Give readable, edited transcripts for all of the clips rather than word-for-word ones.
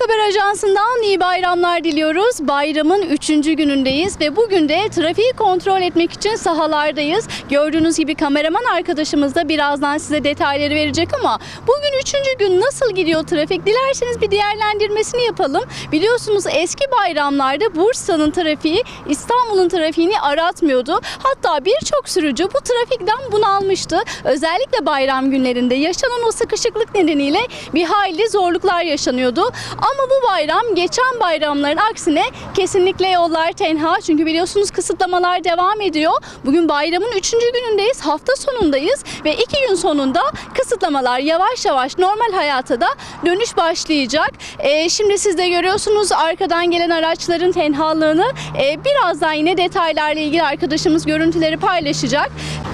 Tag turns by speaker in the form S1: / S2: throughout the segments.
S1: Halk Haber Ajansı'ndan iyi bayramlar diliyoruz. Bayramın 3. günündeyiz ve bugün de trafiği kontrol etmek için sahalardayız. Gördüğünüz gibi kameraman arkadaşımız da birazdan size detayları verecek ama bugün 3. gün nasıl gidiyor trafik? Dilerseniz bir değerlendirmesini yapalım. Biliyorsunuz eski bayramlarda Bursa'nın trafiği İstanbul'un trafiğini aratmıyordu. Hatta birçok sürücü bu trafikten bunalmıştı. Özellikle bayram günlerinde yaşanan o sıkışıklık nedeniyle bir hayli zorluklar yaşanıyordu. Ama bu bayram geçen bayramların aksine kesinlikle yollar tenha. Çünkü biliyorsunuz kısıtlamalar devam ediyor. Bugün bayramın 3. günündeyiz. Hafta sonundayız ve 2 gün sonunda kısıtlamalar yavaş yavaş normal hayata da dönüş başlayacak. Şimdi siz de görüyorsunuz arkadan gelen araçların tenhalığını. Birazdan yine detaylarla ilgili arkadaşımız görüntüleri paylaşacak.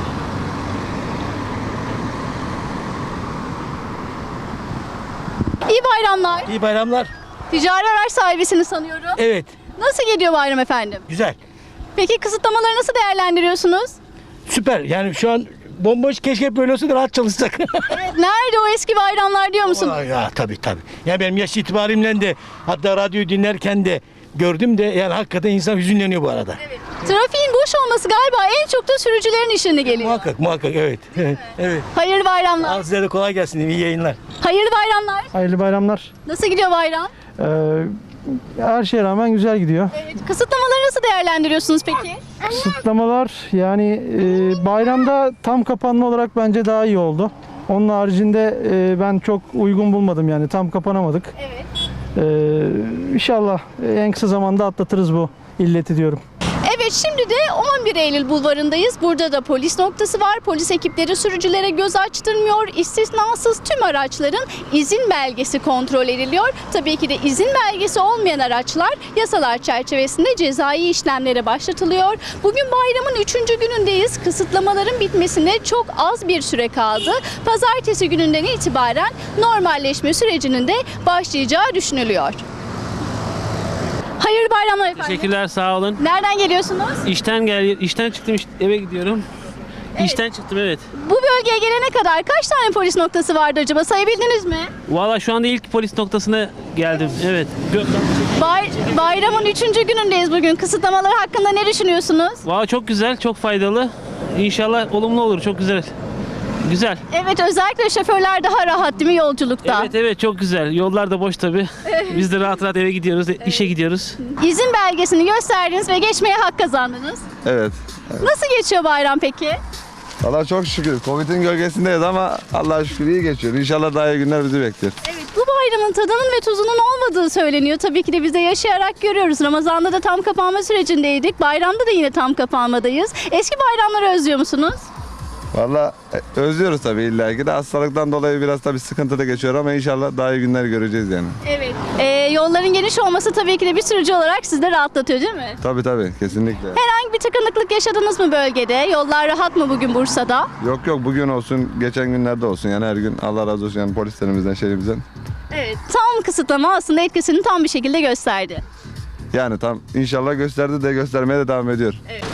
S1: İyi bayramlar.
S2: İyi bayramlar.
S1: Ticari araç sahibisini sanıyorum.
S2: Evet,
S1: Nasıl gidiyor bayram efendim?
S2: güzel.
S1: Peki kısıtlamaları nasıl değerlendiriyorsunuz?
S2: Süper. Yani şu an bomboş, keşke böyle olsa da rahat çalışsak.
S1: Nerede o eski bayramlar diyor musunuz?
S2: Ya tabii. Ya benim yaş itibarımla de hatta radyoyu dinlerken de gördüm de yani hakikaten insan hüzünleniyor bu arada.
S1: Evet. Trafiğin boş olması galiba en çok da sürücülerin işine geliyor.
S2: Muhakkak evet. Evet.
S1: Hayırlı bayramlar.
S2: Al size de kolay gelsin. İyi yayınlar.
S1: Hayırlı bayramlar.
S3: Hayırlı bayramlar.
S1: Nasıl gidiyor bayram?
S3: Her şeye rağmen güzel gidiyor.
S1: Evet. Kısıtlamaları nasıl değerlendiriyorsunuz peki?
S3: Kısıtlamalar yani bayramda tam kapanma olarak bence daha iyi oldu. Onun haricinde ben çok uygun bulmadım yani tam kapanamadık.
S1: Evet.
S3: İnşallah en kısa zamanda atlatırız bu illeti diyorum.
S1: Evet, şimdi de 11 Eylül bulvarındayız. Burada da polis noktası var. Polis ekipleri sürücülere göz açtırmıyor. İstisnasız tüm araçların izin belgesi kontrol ediliyor. Tabii ki de izin belgesi olmayan araçlar yasalar çerçevesinde cezai işlemlere başlatılıyor. Bugün bayramın 3. günündeyiz. Kısıtlamaların bitmesine çok az bir süre kaldı. Pazartesi gününden itibaren normalleşme sürecinin de başlayacağı düşünülüyor. Hayırlı bayramlar efendim.
S4: Teşekkürler, sağ olun.
S1: Nereden geliyorsunuz?
S4: İşten çıktım, eve gidiyorum. İşten çıktım, evet.
S1: Bu bölgeye gelene kadar kaç tane polis noktası vardı acaba? Sayabildiniz mi?
S4: Valla şu anda ilk polis noktasına geldim, evet.
S1: Bayramın 3. günündeyiz bugün. Kısıtlamalar hakkında ne düşünüyorsunuz?
S4: Valla çok güzel, çok faydalı. İnşallah olumlu olur, çok güzel. Güzel.
S1: Evet, özellikle şoförler daha rahat değil mi yolculukta?
S4: Evet, çok güzel. Yollar da boş tabii. Biz de rahat eve gidiyoruz, işe gidiyoruz.
S1: İzin belgesini gösterdiniz ve geçmeye hak kazandınız.
S5: Evet.
S1: Nasıl geçiyor bayram peki?
S5: Valla çok şükür. Covid'in gölgesindeyiz ama Allah'a şükür iyi geçiyor. İnşallah daha iyi günler bizi bekliyor.
S1: Evet, bu bayramın tadının ve tuzunun olmadığı söyleniyor. Tabii ki de biz de yaşayarak görüyoruz. Ramazan'da da tam kapanma sürecindeydik. Bayramda da yine tam kapanmadayız. Eski bayramları özlüyor musunuz?
S5: Valla özlüyoruz tabii illa ki de hastalıktan dolayı biraz tabii sıkıntı da geçiyor ama inşallah daha iyi günler göreceğiz yani.
S1: Evet. Yolların geniş olması tabii ki de bir sürücü olarak sizi de rahatlatıyor değil mi?
S5: Tabii kesinlikle.
S1: Herhangi bir tıkanıklık yaşadınız mı bölgede? Yollar rahat mı bugün Bursa'da?
S5: Yok bugün olsun geçen günlerde olsun yani her gün Allah razı olsun yani polislerimizden şeyimizden.
S1: Evet. Tam kısıtlama aslında etkisini tam bir şekilde gösterdi.
S5: Yani tam inşallah gösterdi de göstermeye de devam ediyor.
S1: Evet.